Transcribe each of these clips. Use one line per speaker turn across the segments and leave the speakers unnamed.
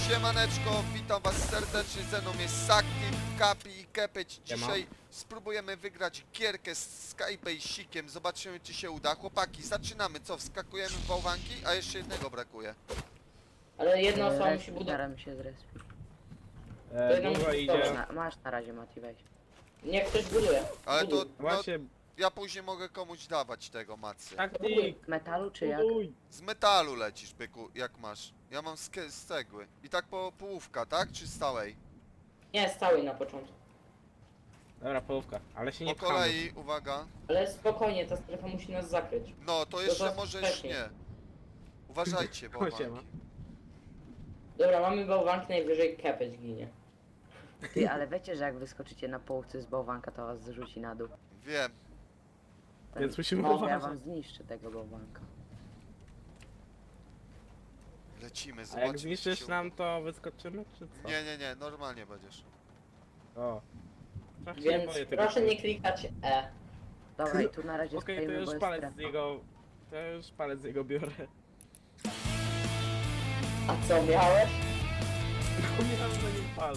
Siemaneczko, witam was serdecznie, ze mną jest Sakti, Kapi i Kepeć. Dzisiaj spróbujemy wygrać gierkę z Skybaseikiem, zobaczymy czy się uda. Chłopaki, zaczynamy, co? Wskakujemy w bałwanki, a jeszcze jednego brakuje.
Ale jedna osoba musi budować.
Staram się zrespić.
jedno
Długo
musi
idzie.
budować.
Masz na razie, Mati, weź.
Niech ktoś buduje.
Ale to,
Buduj.
no,
Właśnie,
ja później mogę komuś dawać tego, macy.
taktik,
Z metalu czy jak?
buduj.
Z metalu lecisz, byku, jak masz. Ja mam z cegły. I tak po połówka, tak? Czy stałej?
Nie, stałej na początku.
Dobra, połówka, ale się
Po
nie pchamy.
kolei, uwaga.
Ale spokojnie, ta strefa musi nas zakryć.
No, to jeszcze
was
możesz
wcześniej.
nie. Uważajcie,
Siema.
bałwanki.
Dobra, mamy bałwanki, najwyżej kepeć ginie.
Ty, ale wiecie, że jak wyskoczycie na połówce z bałwanka, to was zrzuci na dół.
Wiem.
Więc musimy
No,
Ja
uważać.
wam zniszczę tego bałwanka.
Lecimy,
A
zobaczymy.
jak
czy
zniszczysz
się
nam, to wyskoczymy, czy co?
Nie, normalnie będziesz.
O. Trochę się
Więc
boję tego.
proszę nie klikać E.
Dobra, i tu na razie
Okej, to
stoimy, bo
już
jest
palec
strefa.
z jego... To już palec z jego biorę.
A co miałeś?
No miałem na nim palec.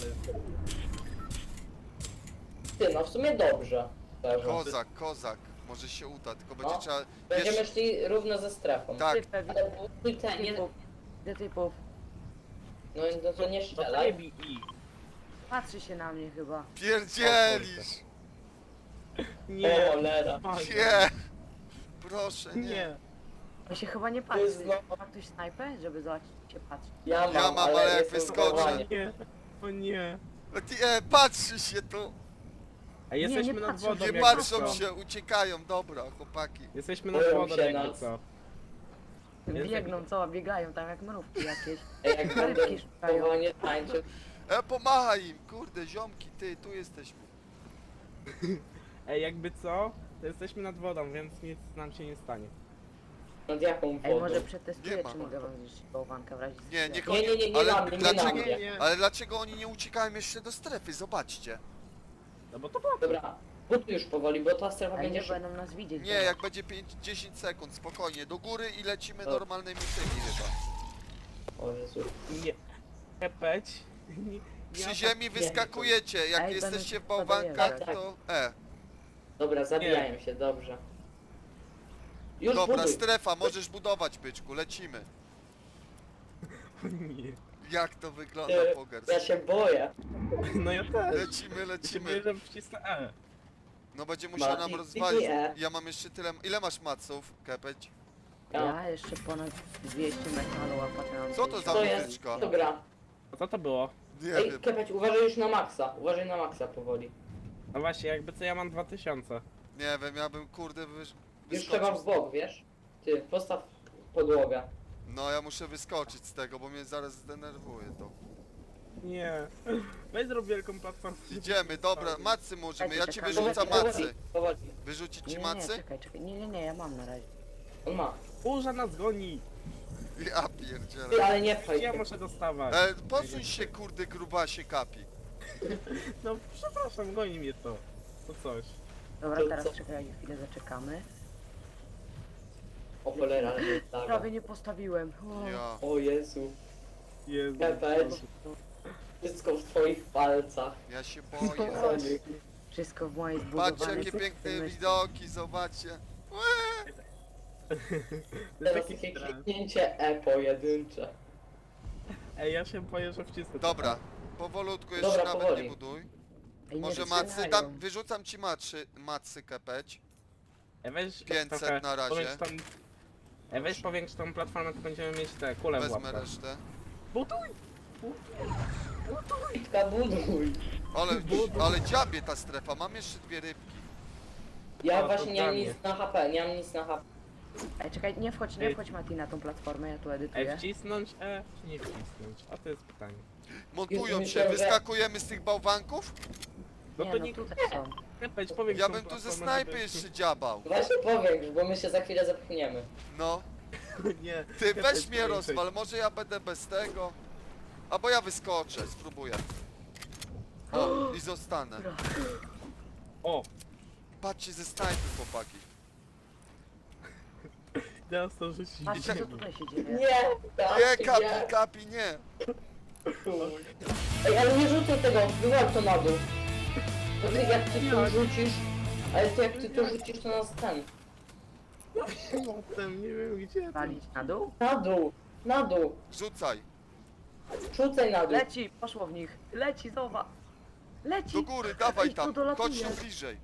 Ty, no w sumie dobrze. Szczerze.
Kozak. Może się uda, tylko będzie
No.
trzeba...
Będziemy
Wiesz,
szli równo ze strefą.
tak,
Ty, pewnie,
Ale buduj te, nie...
Gdzie typów?
No to nie
To nie
strzelaj.
bij i.
Patrzy się na mnie chyba.
pierdzielisz!
O
Nie.
cholera.
Nie! Proszę, nie.
Nie.
On się chyba nie
To
patrzy.
jest
Ma ktoś snajpę, żeby zobaczyć, czy się patrzy.
Ja mam,
ale jak
jestem
wyskoczę-
zdenerwowany.
Nie. O nie.
Patrzy się tu!
A jesteśmy
nie
nad
patrzą
wodą,
się,
Nie
jakby
patrzą
co.
się, uciekają, dobra, chłopaki.
Jesteśmy nad
Boją
wodą,
się
jakby
nas.
co.
Biegną, co? Biegają tam jak mrówki jakieś.
Ej, jak będę
Rybki szukają.
powołanie tańczył.
Pomachaj im, kurde, ziomki, ty, tu jesteśmy.
Ej, jakby co? To jesteśmy nad wodą, więc nic nam się nie stanie.
Nad jaką
Ej,
wodą?
może
Nie
przetestuję,
ma.
czy mogę wam zniszczyć bałwanka w razie
Nie, niech
Nie,
oni...
nie, nie
ale
na mnie, nie
dlaczego,
na mnie.
Nie.
ale dlaczego oni nie uciekają jeszcze do strefy? Zobaczcie.
No bo to po co?
Dobra, buduj już powoli, bo ta strefa
Ale
będzie
nie
szybko.
będą nas widzieć.
Nie, jak będzie 5-10 sekund, spokojnie, do góry i lecimy
Dobra.
normalnymi tymi chyba.
O Jezu.
Nie. Kepeć. Nie.
Przy ziemi wyskakujecie, jak
Ej,
jesteście w
będą się
bałwankach,
podejrzeć.
to...
Dobra, zabijają się, dobrze. Już
Dobra,
buduj.
strefa, możesz budować, byczku, lecimy.
Nie.
Jak to wygląda,
Ty,
Pogers?
ja się boję.
No ja też.
Lecimy.
Lecimy. Że wcisnę E.
No będzie musiał nam
Mati,
rozwalić.
nie.
Ja mam jeszcze tyle... Ile masz maców, Kepeć?
Ja jeszcze ponad 200 metalu, a potem mam
Co to za
To
muzyczka?
jest, to gra.
A co to było?
Nie
Ej,
wiem.
Kepeć, uważaj już na maksa. Uważaj na maksa powoli.
No właśnie, jakby co ja mam 2000.
Nie wiem, ja bym kurde
Już trzeba w
wyskoczył.
bok, wiesz? Ty, postaw podłogę.
No ja muszę wyskoczyć z tego, bo mnie zaraz zdenerwuje to.
Nie. Weź zrób wielką platformę.
Idziemy, dobra, macy możemy, ja ci
Czekaj,
wyrzucam
powoli,
macy.
Powoli.
Wyrzucić
Nie,
ci
nie,
macy?
czekaj. Nie, ja mam na razie.
On ma.
Burza nas goni.
Ja
Ty,
pierdzielę.
ale nie pchaj
Ja
się.
muszę dostawać.
Posuń się kurde grubasie Kapi.
No przepraszam, goni mnie to. To coś.
Dobra,
To
teraz
co?
czekaj, chwilę zaczekamy.
O cholera, ale nie tak.
Prawie nie postawiłem. O.
Ja.
O Jezu.
Jezu.
Kepeć. Wszystko w twoich palcach.
Ja się boję.
Chodzi.
Wszystko w mojej zbudowanej
Patrzcie jakie piękne
systemie.
widoki, zobaczcie. Łe!
To jest
Teraz
taki
takie
stres.
kliknięcie E pojedyncze.
Ej, ja się boję, że wcisnę.
Dobra, powolutku jeszcze
Dobra,
nawet
powoli.
nie buduj.
Ej, nie
Może
strzelają.
macy, wyrzucam ci macy Kepeć.
Ej, weź
500
trochę
na razie.
powiększ tą... Ej, weź powiększ tą platformę, to będziemy mieć te kule w
Wezmę
łapkach.
resztę.
Buduj!
Kitka, buduj.
Ale dziabie ta strefa, mam jeszcze dwie rybki.
Ja
to
właśnie nie mam
dla
nic na HP, nie mam nic na HP.
Ej, czekaj, nie wchodź Mati na tą platformę, ja tu
Ej,
edytuję.
wcisnąć E, czy nie wcisnąć? A to jest pytanie.
Montują
Jezu,
się,
myślałem, że-
wyskakujemy z tych bałwanków?
No
Nie,
to
no
nie...
tutaj są.
Kepeć, powiększ
Ja
tą
bym tu ze
platformę,
snajpy
żeby-
jeszcze dziabał.
Właśnie powiększ, bo my się za chwilę zepchniemy.
No,
Nie.
ty
Kepeć,
weź mnie
powiększaj.
rozwal, może ja będę bez tego. Albo ja wyskoczę, spróbuję. O, i zostanę.
O!
Patrzcie ze snajpy, chłopaki.
Teraz to rzucić.
Patrzcie, co tutaj się dzieje.
Nie! Tak,
Nie, Kapi, nie!
Ej, ale nie rzucaj tego, wyłap to na dół. Bo ty jak ty to rzucisz, ale ty jak ty to rzucisz, to nas ten.
Potem nie wiem gdzie.
Walić na dół?
Na dół,
Rzucaj.
rzucaj na dół.
Leci, poszło w nich. Leci, zobacz. Leci.
Do góry, dawaj
Ej, to
tam.
dolatuje.
Chodź tu bliżej.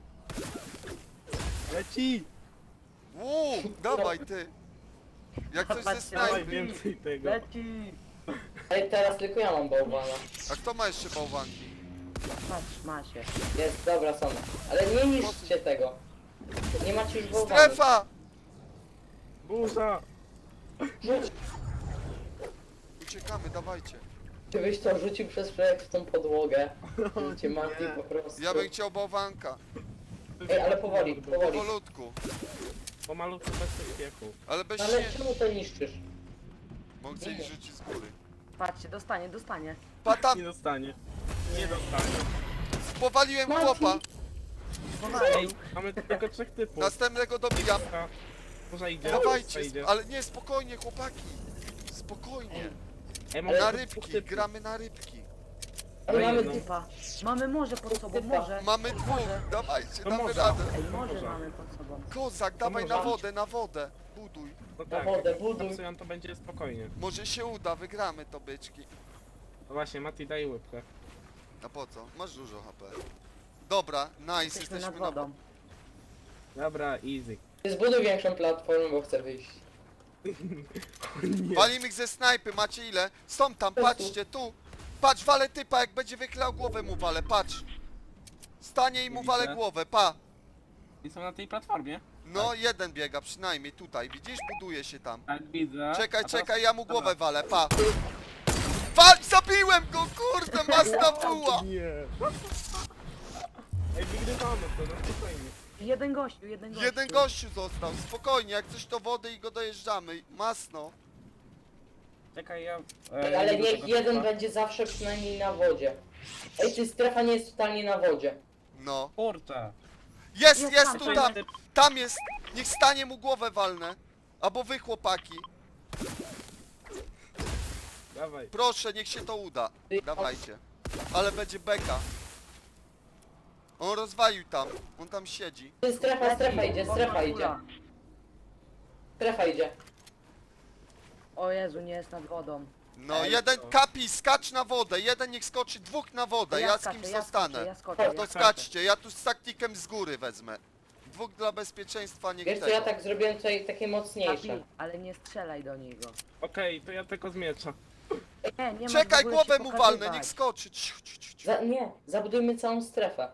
Leci!
Dawaj ty. Jak coś ze
Patrzcie,
Dawaj
snajpy.
więcej tego.
Leci.
Ej, teraz tylko ja mam bałwana.
A kto ma jeszcze bałwanki?
Patrz, ma się.
Jest, dobra, są. Ale nie niszczcie tego. Nie macie już bałwana.
Strefa!
Burza!
Rzuć.
Uciekamy, dawajcie.
Gdybyś to rzucił przez projekt w tą podłogę. Cię
nie.
Mati po prostu.
Ja bym chciał bałwanka.
Ej, ale powoli.
Powolutku.
Pomalutku bez pośpiechu.
Ale bez
Ale
śniegu.
czemu to niszczysz?
Mogę gdzieś rzucić z góry.
Patrzcie, dostanie.
Pa tam!
Nie dostanie. Nie dostanie.
Powaliłem
Mati.
chłopa.
Ej, mamy tylko 3 typów.
Następnego dobijam.
Burza idzie.
Dawajcie,
Idzie.
ale nie, spokojnie chłopaki. Spokojnie.
Ej,
Na
mamy
rybki,
dwóch typów.
gramy na rybki.
Ale
Ej,
mamy
no.
Typa. Mamy morze pod sobą,
Typa.
morze.
Mamy dwóch,
Morze.
dawajcie,
To
damy
może.
radę.
Ej, morze
Morze.
mamy pod sobą.
Kozak, dawaj
może.
na wodę, buduj.
No
Na
tak,
wodę,
jak
buduj.
pracują, to będzie spokojnie.
Może się uda, wygramy to byczki.
No właśnie, Mati daj łybkę.
A po co? Masz dużo HP. Dobra, nice,
Jesteśmy nad
jesteśmy na
wodą.
Dobra, easy.
Ty zbuduj większą platformę, bo chcę wyjść.
Nie.
Walimy ich ze snajpy, macie ile? Są tam, patrzcie, tu. Patrz, walę typa, jak będzie wychylał głowę mu walę, patrz. Stanie i mu walę
Widzę.
głowę, pa.
I są na tej platformie?
No, jeden biega przynajmniej tutaj, widzisz? Buduje się tam.
Tak, widzę.
Czekaj, ja mu głowę walę, pa. Wal, zabiłem go, kurde, masna buła.
Nie. Ej, wygrywamy to, no spokojnie.
Jeden gościu.
Jeden gościu został, spokojnie, jak coś to wody i go dojeżdżamy, masno.
Czekaj, ja...
Ej, ale niech jeden będzie zawsze przynajmniej na wodzie. Ej, ty strefa nie jest totalnie na wodzie.
No.
Kurczę.
Jest
tam,
tu, tam jest. Niech stanie mu głowę walnę. Albo wy chłopaki.
Dawaj.
Proszę, niech się to uda. Dawajcie. Ale będzie beka. On rozwalił tam. On tam siedzi.
Ty strefa idzie, strefa idzie. Strefa idzie.
O Jezu, nie jest nad wodą.
No,
Ej,
jeden
to-
kapi, skacz na wodę. Jeden niech skoczy, dwóch na wodę. Ja z
skaczę,
kimś
ja
zostanę.
skoczę, ja skoczę.
To skaczcie, ja tu z taktikiem z góry wezmę. Dwóch dla bezpieczeństwa, niech
Wiesz co,
tego.
ja tak zrobiłem tutaj takie mocniejsze.
Kapi, ale nie strzelaj do niego.
Okej, to ja tylko z miecza.
Nie ma w
Czekaj,
ogóle
głowę
się
mu walnę,
pokazywać.
niech skoczy. Cicho.
Nie, zabudujmy całą strefę.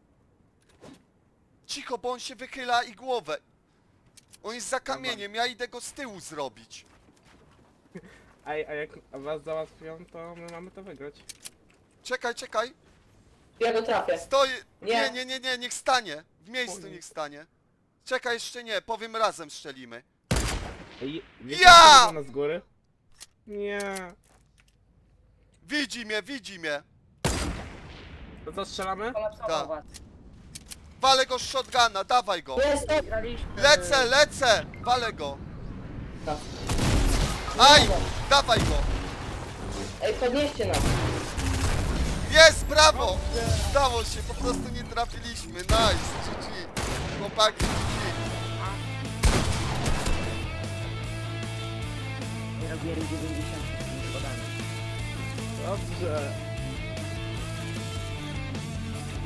Cicho, bo on się wychyla i głowę. On jest za kamieniem, ja idę go z tyłu zrobić.
Ej, a jak was załatwią, to my mamy to wygrać.
Czekaj.
Ja go trafię.
Stoi.
Nie.
Nie, niech stanie. W miejscu
Oj.
niech stanie. Czekaj, jeszcze nie, powiem razem strzelimy.
Ej, wiecie,
Ja!
co nas z góry? Nie.
Widzi mnie.
To co, strzelamy?
Kolapsował
Tak.
was.
Walę go z shotguna, dawaj go.
Jest to!
Graliśmy.
Lecę, walę go.
No.
Aj, dawaj go.
Ej, podnieście nas.
Jest, brawo. Udało się, po prostu nie trafiliśmy. Nice, GG. Chłopaki, GG.
Nie robiłem 90 z podami.
Dobrze.